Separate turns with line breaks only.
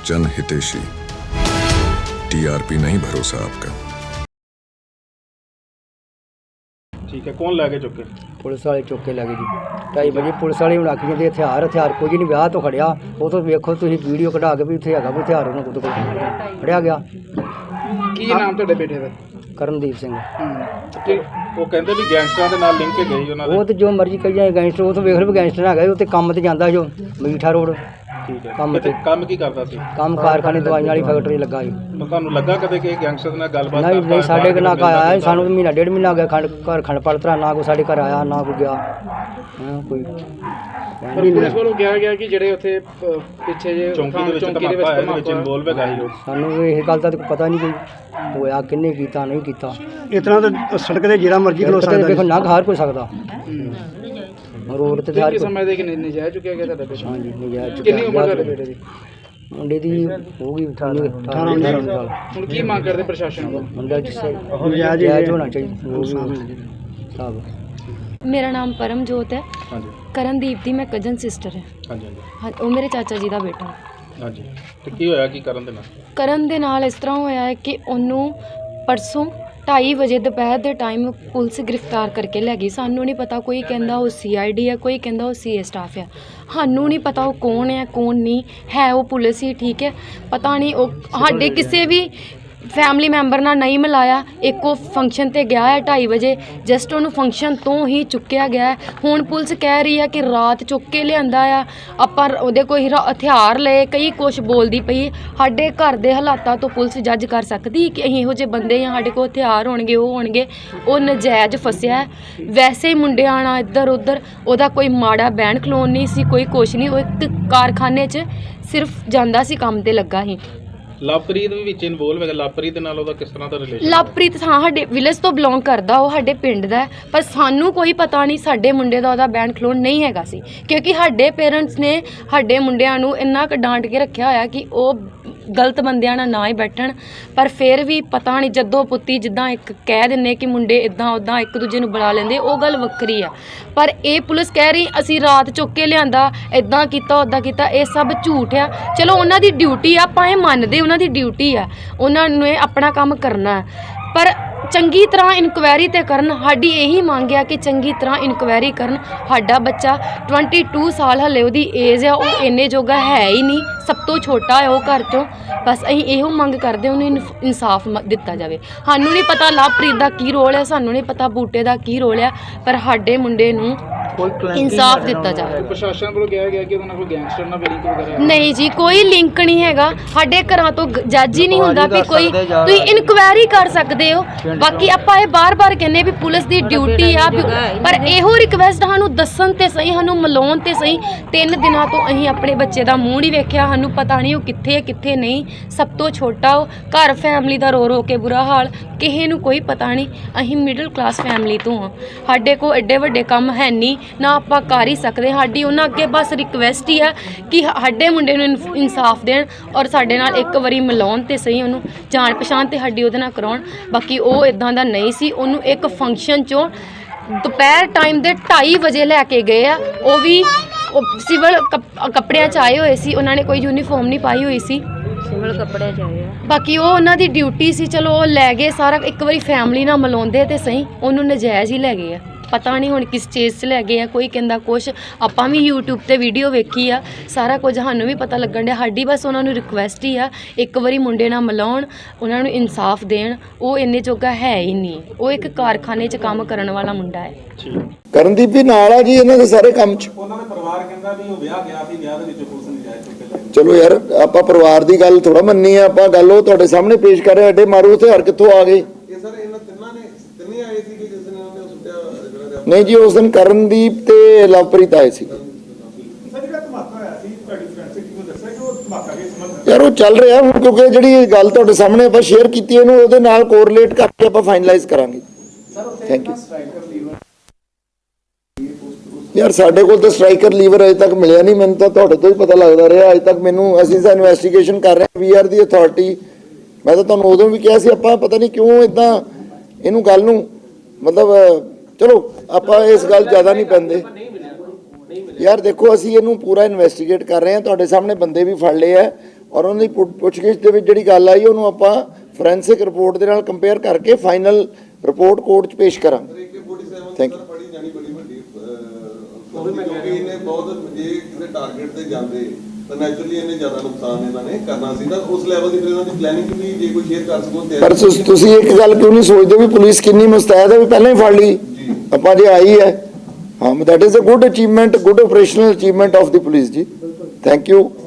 जन हितेशी। टीआरपी नहीं भरोसा आपका।
ठीक है, कौन लैके चुके?
पुलिस वाले चुक के लगे जी 2:30 बजे पुलिस वाले आखी जाते हथियार कुछ नहीं विआह तो खड़िया वो तो वेखो तुम वीडियो कढ़ा के भी उत्थे हैगा भी हथियार उन्होंने कुछ फड़िया गया।
की नाम ਤੁਹਾਡੇ ਬੇਟੇ ਦਾ?
ਕਰਨਦੀਪ ਸਿੰਘ।
ਤੇ ਉਹ ਕਹਿੰਦੇ ਵੀ ਗੈਂਗਸਟਰਾਂ ਦੇ ਨਾਲ ਲਿੰਕ ਕੇ ਗਈ ਉਹਨਾਂ ਦੇ।
ਉਹ ਤੇ ਜੋ ਮਰਜ਼ੀ ਕਹੀ ਜਾਏ ਗੈਂਗਸਟਰ ਉਹ ਤਾਂ ਵੇਖ ਲਓ ਗੈਂਗਸਟਰ ਹੈਗਾ ਉਹ ਤੇ ਕੰਮ ਤੇ ਜਾਂਦਾ ਜੋ ਮੀਠਾ ਰੋਡ।
ਠੀਕ ਹੈ,
ਕੰਮ ਤੇ
ਕੰਮ ਕੀ ਕਰਦਾ ਸੀ?
ਕੰਮ ਕਾਰਖਾਨੇ ਦਵਾਈਆਂ ਵਾਲੀ ਫੈਕਟਰੀ ਲੱਗਾ ਜੀ।
ਤਾਂ ਤੁਹਾਨੂੰ ਲੱਗਾ ਕਦੇ ਕਿ ਗੈਂਗਸਟਰ ਨਾਲ ਗੱਲਬਾਤ
ਨਹੀਂ ਨਹੀਂ ਸਾਡੇ ਕੋਲ ਨਾ ਆਇਆ ਸਾਨੂੰ ਮਹੀਨਾ ਡੇਢ ਮਹੀਨਾ ਹੋ ਗਿਆ ਘਰ ਖੰਡ ਪੜਤਰਾ ਨਾ ਕੋਈ ਸਾਡੇ ਘਰ ਆਇਆ ਨਾ ਕੋਈ ਗਿਆ ਕੋਈ।
ਪੁਲਿਸ ਵੱਲੋਂ ਕਿਹਾ ਗਿਆ ਕਿ ਜਿਹੜੇ ਉੱਥੇ ਪਿੱਛੇ ਜੇ ਚੌਂਕੀ ਦੇ ਵਿੱਚ ਇਨਵੋਲਵ ਹੈਗਾ ਸੀ ਉਹ। ਸਾਨੂੰ
ਇਹ ਗੱਲ ਦਾ ਪਤਾ ਨਹੀਂ ਕੋਈ ਹੋਇਆ ਕਿੰਨੇ ਕੀਤਾ ਨਹੀਂ ਕੀਤਾ।
ਇਤਨਾ ਤਾਂ ਸੜਕ ਤੇ ਜਿਹੜਾ ਮਰਜ਼ੀ ਖਲੋ ਸਕਦਾ
ਦੇਖੋ ਨਾ ਹਰ ਕੋਈ ਸਕਦਾ ਰੋਡ ਤੇ ਹਰ
ਸਮੇਂ ਦੇ ਕਿ ਨਜਾਇਜ਼ ਚੁੱਕਿਆ ਗਿਆ ਤੁਹਾਡਾ ਬੇਟਾ?
ਹਾਂਜੀ ਨਜਾਇਜ਼
ਕਿੰਨੀ ਉਮਰ ਤੁਹਾਡੇ ਬੇਟੇ ਦੀ?
ਮੁੰਡੇ ਦੀ ਹੋ ਗਈ 18 ਸਾਲ।
ਹੁਣ ਕੀ ਮੰਗ ਕਰਦੇ ਪ੍ਰਸ਼ਾਸਨ ਕੋਲ?
ਮੁੰਡਾ ਨਜਾਇਜ਼ ਹੋਣਾ ਚਾਹੀਦਾ ਸਾਹਿਬ।
मेरा नाम परमजोत है।
हाँ जी।
ਕਰਨਦੀਪ ਦੀ मैं कजन सिस्टर है।
हाँ जी
हाँ ਉਹ ਮੇਰੇ ਚਾਚਾ ਜੀ ਦਾ ਬੇਟਾ।
हाँ जी। तो ਕੀ ਹੋਇਆ ਕੀ ਕਰਨ ਦੇ ਨਾਲ?
ਕਰਨ ਦੇ ਨਾਲ ਇਸ ਤਰ੍ਹਾਂ ਹੋਇਆ ਹੈ ਕਿ ਉਹਨੂੰ ਪਰਸੋਂ 2:30 ਵਜੇ ਦੁਪਹਿਰ ਦੇ ਟਾਈਮ ਪੁਲਿਸ ਗ੍ਰਿਫਤਾਰ ਕਰਕੇ ਲੈ ਗਈ। ਸਾਨੂੰ ਨਹੀਂ ਪਤਾ, ਕੋਈ ਕਹਿੰਦਾ ਉਹ CID ਹੈ, ਕੋਈ ਕਹਿੰਦਾ ਉਹ CA ਸਟਾਫ ਹੈ। ਸਾਨੂੰ ਨਹੀਂ ਪਤਾ ਉਹ ਕੌਣ ਹੈ ਕੌਣ ਨਹੀਂ ਹੈ। ਉਹ ਪੁਲਿਸ ਹੀ ਠੀਕ ਹੈ, ਪਤਾ ਨਹੀਂ ਉਹ ਸਾਡੇ ਕਿਸੇ ਵੀ ਫੈਮਿਲੀ ਮੈਂਬਰ ਨਾਲ ਨਹੀਂ ਮਿਲਾਇਆ। ਇੱਕ ਉਹ ਫੰਕਸ਼ਨ 'ਤੇ ਗਿਆ ਹੈ 2:30 ਵਜੇ, ਜਸਟ ਉਹਨੂੰ ਫੰਕਸ਼ਨ ਤੋਂ ਹੀ ਚੁੱਕਿਆ ਗਿਆ। ਹੁਣ ਪੁਲਿਸ ਕਹਿ ਰਹੀ ਹੈ ਕਿ ਰਾਤ ਚੁੱਕ ਕੇ ਲਿਆਂਦਾ ਆ, ਆਪਾਂ ਉਹਦੇ ਕੋਈ ਹਥਿਆਰ ਲਏ, ਕਈ ਕੁਛ ਬੋਲਦੀ ਪਈ। ਸਾਡੇ ਘਰ ਦੇ ਹਾਲਾਤਾਂ ਤੋਂ ਪੁਲਿਸ ਜੱਜ ਕਰ ਸਕਦੀ ਕਿ ਅਸੀਂ ਇਹੋ ਜਿਹੇ ਬੰਦੇ ਆ, ਸਾਡੇ ਕੋਲ ਹਥਿਆਰ ਹੋਣਗੇ ਉਹ ਹੋਣਗੇ। ਉਹ ਨਜਾਇਜ਼ ਫਸਿਆ। ਵੈਸੇ ਹੀ ਮੁੰਡਿਆਂ ਨਾਲ ਇੱਧਰ ਉੱਧਰ ਉਹਦਾ ਕੋਈ ਮਾੜਾ ਬਹਿਣ ਖਲੋਣ ਨਹੀਂ ਸੀ, ਕੋਈ ਕੁਛ ਨਹੀਂ। ਉਹ ਇੱਕ ਕਾਰਖਾਨੇ 'ਚ ਸਿਰਫ ਜਾਂਦਾ ਸੀ, ਕੰਮ 'ਤੇ ਲੱਗਾ ਸੀ।
ਲਵਪ੍ਰੀਤ ਵੀ ਵਿੱਚ ਇਨਵੋਲਵ ਹੈਗਾ। ਲਵਪ੍ਰੀਤ ਦੇ ਨਾਲ ਉਹਦਾ ਕਿਸ ਤਰ੍ਹਾਂ ਦਾ ਰਿਲੇਸ਼ਨ?
ਲਵਪ੍ਰੀਤ ਹਾਂ ਸਾਡੇ ਵਿਲੇਜ ਤੋਂ ਬਿਲੋਂਗ ਕਰਦਾ, ਉਹ ਸਾਡੇ ਪਿੰਡ ਦਾ, ਪਰ ਸਾਨੂੰ ਕੋਈ ਪਤਾ ਨਹੀਂ ਸਾਡੇ ਮੁੰਡੇ ਦਾ ਉਹਦਾ ਬੈਂਡ ਖਲੋਣ ਨਹੀਂ ਹੈਗਾ ਸੀ, ਕਿਉਂਕਿ ਸਾਡੇ ਪੇਰੈਂਟਸ ਨੇ ਸਾਡੇ ਮੁੰਡਿਆਂ ਨੂੰ ਇੰਨਾ ਕੁ ਡਾਂਟ ਕੇ ਰੱਖਿਆ ਹੋਇਆ ਕਿ ਉਹ ਗਲਤ ਬੰਦਿਆਂ ਨਾਲ ਨਾ ਹੀ ਬੈਠਣ। ਪਰ ਫਿਰ ਵੀ ਪਤਾ ਨਹੀਂ ਜਦੋਂ ਪੁੱਤੀ ਜਿੱਦਾਂ ਇੱਕ ਕਹਿ ਦਿੰਦੇ ਕਿ ਮੁੰਡੇ ਇੱਦਾਂ ਉੱਦਾਂ ਇੱਕ ਦੂਜੇ ਨੂੰ ਬੁਲਾ ਲੈਂਦੇ, ਉਹ ਗੱਲ ਵੱਖਰੀ ਆ। ਪਰ ਇਹ ਪੁਲਿਸ ਕਹਿ ਰਹੀ ਅਸੀਂ ਰਾਤ ਚੁੱਕ ਕੇ ਲਿਆਂਦਾ, ਇੱਦਾਂ ਕੀਤਾ ਉੱਦਾਂ ਕੀਤਾ, ਇਹ ਸਭ ਝੂਠ ਆ। ਚਲੋ ਉਹਨਾਂ ਦੀ ਡਿਊਟੀ ਆ, ਆਪਾਂ ਇਹ ਮੰਨਦੇ ਉਹਨਾਂ ਦੀ ਡਿਊਟੀ ਆ, ਉਹਨਾਂ ਨੇ ਆਪਣਾ ਕੰਮ ਕਰਨਾ, ਪਰ ਚੰਗੀ ਤਰ੍ਹਾਂ ਇਨਕੁਆਇਰੀ ਤੇ ਕਰਨ। ਸਾਡੀ ਇਹੀ ਮੰਗ ਆ ਕਿ ਚੰਗੀ ਤਰ੍ਹਾਂ ਇਨਕੁਆਇਰੀ ਕਰਨ। ਸਾਡਾ ਬੱਚਾ 22 ਸਾਲ ਹਲੇ ਉਹਦੀ ਏਜ ਆ, ਉਹ ਇੰਨੇ ਜੋਗਾ ਹੈ ਹੀ ਨਹੀਂ, ਸਭ ਤੋਂ ਛੋਟਾ ਹੈ ਉਹ ਘਰ 'ਚੋਂ। ਬਸ ਅਸੀਂ ਇਹੋ ਮੰਗ ਕਰਦੇ ਉਹਨੂੰ ਇਨਸਾਫ ਦਿੱਤਾ ਜਾਵੇ। ਸਾਨੂੰ ਨਹੀਂ ਪਤਾ ਲਵਪ੍ਰੀਤ ਦਾ ਕੀ ਰੋਲ ਹੈ, ਸਾਨੂੰ ਨਹੀਂ ਪਤਾ ਬੂਟੇ ਦਾ ਕੀ ਰੋਲ ਹੈ, ਪਰ ਸਾਡੇ ਮੁੰਡੇ ਨੂੰ ਇਨਸਾਫ ਦਿੱਤਾ ਜਾਵੇ।
ਪ੍ਰਸ਼ਾਸਨ ਵੱਲੋਂ ਕਿਹਾ ਗਿਆ ਕਿ ਉਹਨਾਂ ਕੋਲ ਗੈਂਗਸਟਰ ਨਾਲ ਲਿੰਕ ਵਗੈਰਾ?
ਨਹੀਂ ਜੀ, ਕੋਈ ਲਿੰਕ ਨਹੀਂ ਹੈਗਾ। ਸਾਡੇ ਘਰਾਂ ਤੋਂ ਜੱਜ ਹੀ ਨਹੀਂ ਹੁੰਦਾ ਵੀ ਕੋਈ, ਤੁਸੀਂ ਇਨਕੁਆਇਰੀ ਕਰ ਸਕਦੇ ਹੋ। ਬਾਕੀ ਆਪਾਂ ਇਹ ਬਾਰ-ਬਾਰ ਕਹਿੰਦੇ ਵੀ ਪੁਲਿਸ ਦੀ ਡਿਊਟੀ ਆ, ਪਰ ਇਹੋ ਰਿਕਵੈਸਟ ਸਾਨੂੰ ਦੱਸਣ ਤੇ ਸਹੀ, ਸਾਨੂੰ ਮਿਲਾਉਣ ਤੇ ਸਹੀ। 3 ਦਿਨਾਂ ਤੋਂ ਅਸੀਂ ਆਪਣੇ ਬੱਚੇ ਦਾ ਮੂੰਹ ਨਹੀਂ ਵੇਖਿਆ, ਸਾਨੂੰ ਪਤਾ ਨਹੀਂ ਉਹ ਕਿੱਥੇ ਹੈ ਕਿੱਥੇ ਨਹੀਂ। ਸਭ ਤੋਂ ਛੋਟਾ ਉਹ, ਘਰ ਫੈਮਿਲੀ ਦਾ ਰੋ ਰੋ ਕੇ ਬੁਰਾ ਹਾਲ, ਕਿਸੇ ਨੂੰ ਕੋਈ ਪਤਾ ਨਹੀਂ। ਅਸੀਂ ਮਿਡਲ ਕਲਾਸ ਫੈਮਿਲੀ ਤੋਂ ਹਾਂ, ਸਾਡੇ ਕੋਲ ਐਡੇ ਵੱਡੇ ਕੰਮ ਹੈ ਨਹੀਂ, ਨਾ ਆਪਾਂ ਕਰ ਹੀ ਸਕਦੇ। ਸਾਡੀ ਉਹਨਾਂ ਅੱਗੇ ਬਸ ਰਿਕਵੈਸਟ ਹੀ ਆ ਕਿ ਸਾਡੇ ਮੁੰਡੇ ਨੂੰ ਇਨਸਾਫ ਦੇਣ ਔਰ ਸਾਡੇ ਨਾਲ ਇੱਕ ਵਾਰੀ ਮਿਲਾਉਣ ਤੇ ਸਹੀ, ਉਹਨੂੰ ਜਾਣ ਪਛਾਣ ਤੇ ਸਾਡੀ ਉਹਦੇ ਨਾਲ ਕਰਾਉਣ। ਬਾਕੀ ਉਹ ਇਦਾਂ ਦਾ ਨਹੀਂ ਸੀ। ਉਹਨੂੰ ਇੱਕ ਫੰਕਸ਼ਨ 'ਚੋਂ ਦੁਪਹਿਰ ਟਾਈਮ ਦੇ 2:30 ਵਜੇ ਲੈ ਕੇ ਗਏ ਆ, ਉਹ ਵੀ ਸਿਵਲ ਕੱਪੜਿਆਂ 'ਚ ਆਏ ਹੋਏ ਸੀ, ਉਹਨਾਂ ਨੇ ਕੋਈ ਯੂਨੀਫਾਰਮ ਨਹੀਂ ਪਾਈ ਹੋਈ ਸੀ, ਸਿਵਲ ਕੱਪੜਿਆਂ 'ਚ ਆਏ ਆ। ਬਾਕੀ ਉਹ ਉਹਨਾਂ ਦੀ ਡਿਊਟੀ ਸੀ, ਚਲੋ ਉਹ ਲੈ ਗਏ ਸਾਰਾ। ਇੱਕ ਵਾਰੀ ਫੈਮਿਲੀ ਨਾਲ ਮਿਲਾਉਂਦੇ ਤੇ ਸਹੀ, ਉਹਨੂੰ ਨਜਾਇਜ਼ ਹੀ ਲੈ ਗਏ ਆ। ਪਤਾ ਨਹੀਂ ਹੁਣ ਕਿਸ ਚੀਜ਼ 'ਚ ਲੈ ਗਏ ਆ, ਕੋਈ ਕਹਿੰਦਾ ਕੁਛ। ਆਪਾਂ ਵੀ YouTube ਤੇ ਵੀਡੀਓ ਵੇਖੀ ਆ, ਸਾਰਾ ਕੁਝ ਸਾਨੂੰ ਵੀ ਪਤਾ ਲੱਗਣ ਡਿਆ। ਸਾਡੀ ਬਸ ਉਹਨਾਂ ਨੂੰ ਰਿਕੁਐਸਟ ਹੀ ਆ ਇੱਕ ਵਾਰੀ ਮੁੰਡੇ ਨਾਲ ਮਿਲਾਉਣ, ਉਹਨਾਂ ਨੂੰ ਇਨਸਾਫ ਦੇਣ। ਉਹ ਇੰਨੇ ਜੋਗਾ ਹੈ ਹੀ ਨਹੀਂ, ਉਹ ਇੱਕ ਕਾਰਖਾਨੇ 'ਚ ਕੰਮ ਕਰਨ ਵਾਲਾ ਮੁੰਡਾ ਹੈ।
ਕਰਨਦੀਪ ਵੀ ਨਾਲ ਆ ਜੀ ਇਹਨਾਂ ਦੇ ਸਾਰੇ ਕੰਮ 'ਚ।
ਉਹਨਾਂ ਦੇ ਪਰਿਵਾਰ ਕਹਿੰਦਾ ਵੀ ਉਹ ਵਿਆਹ ਗਿਆ ਸੀ, ਵਿਆਹ ਦੇ ਵਿੱਚ ਪੁਲਿਸ ਨੇ ਜਾਇਜ਼ ਚੁੱਕ ਕੇ ਲੈ ਗਈ।
ਚਲੋ ਯਾਰ ਆਪਾਂ ਪਰਿਵਾਰ ਦੀ ਗੱਲ ਥੋੜਾ ਮੰਨੀ ਆ, ਆਪਾਂ ਗੱਲ ਉਹ ਤੁਹਾਡੇ ਸਾਹਮਣੇ ਪੇਸ਼ ਕਰ ਰਹੇ। ਐਡੇ ਮਾਰੂ ਹਥਿਆਰ ਕਿੱਥੋਂ ਆ ਗਏ?
ਇਹ ਸਰ ਇਹਨਾਂ ਤਿੰਨੇ ਆਏ ਸੀ ਕਿ ਜਿਸ ਨੇ ਉਹਨੇ ਸੁੱਟਿਆ ਜਿਹੜਾ?
ਨਹੀਂ ਜੀ, ਉਸ ਦਿਨ ਕਰਨਦੀਪ ਤੇ ਲਵਪ੍ਰੀਤ ਆਏ ਸੀ। ਯਾਰ ਉਹ ਚੱਲ ਰਿਹਾ ਹੁਣ, ਕਿਉਂਕਿ ਜਿਹੜੀ ਗੱਲ ਤੁਹਾਡੇ ਸਾਹਮਣੇ ਆਪਾਂ ਸ਼ੇਅਰ ਕੀਤੀ ਇਹਨੂੰ ਉਹਦੇ ਨਾਲ ਕੋਰਿਲੇਟ ਕਰਕੇ ਆਪਾਂ ਫਾਈਨਲਾਈਜ਼ ਕਰਾਂਗੇ। Thank you. ਯਾਰ ਸਾਡੇ ਕੋਲ ਤਾਂ ਸਟ੍ਰਾਈਕਰ ਲੀਵਰ ਅਜੇ ਤੱਕ ਮਿਲਿਆ ਨਹੀਂ, ਮੈਨੂੰ ਤਾਂ ਤੁਹਾਡੇ ਤੋਂ ਹੀ ਪਤਾ ਲੱਗਦਾ ਰਿਹਾ ਅਜੇ ਤੱਕ। ਮੈਨੂੰ ਅਸੀਂ ਤਾਂ ਇਨਵੈਸਟੀਗੇਸ਼ਨ ਕਰ ਰਹੇ ਹਾਂ, ਵੀ ਆਰ ਦੀ ਅਥਾਰਟੀ। ਮੈਂ ਤਾਂ ਤੁਹਾਨੂੰ ਉਦੋਂ ਵੀ ਕਿਹਾ ਸੀ, ਆਪਾਂ ਪਤਾ ਨਹੀਂ ਕਿਉਂ ਇਦਾਂ ਇਹਨੂੰ ਗੱਲ ਨੂੰ ਮਤਲਬ, ਚਲੋ ਆਪਾਂ ਇਸ ਗੱਲ ਜ਼ਿਆਦਾ ਨਹੀਂ ਪੈਂਦੇ। ਯਾਰ ਦੇਖੋ ਅਸੀਂ ਇਹਨੂੰ ਪੂਰਾ ਇਨਵੈਸਟੀਗੇਟ ਕਰ ਰਹੇ ਹਾਂ, ਤੁਹਾਡੇ ਸਾਹਮਣੇ ਬੰਦੇ ਵੀ ਫੜ ਲਏ ਆ, ਔਰ ਉਹਨਾਂ ਦੀ ਪੁੱਛਗਿੱਛ ਦੇ ਵਿੱਚ ਜਿਹੜੀ ਗੱਲ ਆਈ ਉਹਨੂੰ ਆਪਾਂ ਫੋਰੈਂਸਿਕ ਰਿਪੋਰਟ ਦੇ ਨਾਲ ਕੰਪੇਅਰ ਕਰਕੇ ਫਾਈਨਲ ਰਿਪੋਰਟ ਕੋਰਟ 'ਚ ਪੇਸ਼ ਕਰਾਂਗੇ। Thank you.
ਬੜੀ ਜਾਣੀ ਬੜੀ ਵੱਡੀ ਕਿਉਂਕਿ ਇਹਨੇ ਬਹੁਤ ਜੇ ਕਿਸੇ ਟਾਰਗੇਟ ਤੇ ਜਾਂਦੇ ਤਾਂ ਨੈਚੁਰਲੀ ਇਹਨੇ ਜ਼ਿਆਦਾ ਨੁਕਸਾਨ ਇਹਨਾਂ ਨੇ ਕਰਨਾ ਸੀ ਤਾਂ ਉਸ ਲੈਵਲ ਦੀ ਫਿਰ ਇਹਨਾਂ ਦੀ ਪਲੈਨਿੰਗ ਵੀ ਜੇ ਕੋਈ ਸ਼ੇਅਰ ਕਰ ਸਕੋ ਤੇ
ਪਰ ਤੁਸੀਂ ਇੱਕ ਗੱਲ ਕਿਉਂ ਨਹੀਂ ਸੋਚਦੇ ਵੀ ਪੁਲਿਸ ਕਿੰਨੀ ਮੁਸਤੈਦ ਹੈ ਵੀ ਪਹਿਲਾਂ ਹੀ ਫੜ ਲਈ ਆਪਾਂ ਜੇ ਆਈ ਹੈ। ਹਾਂ, that is a good achievement, good operational achievement of the police ਜੀ। Thank you.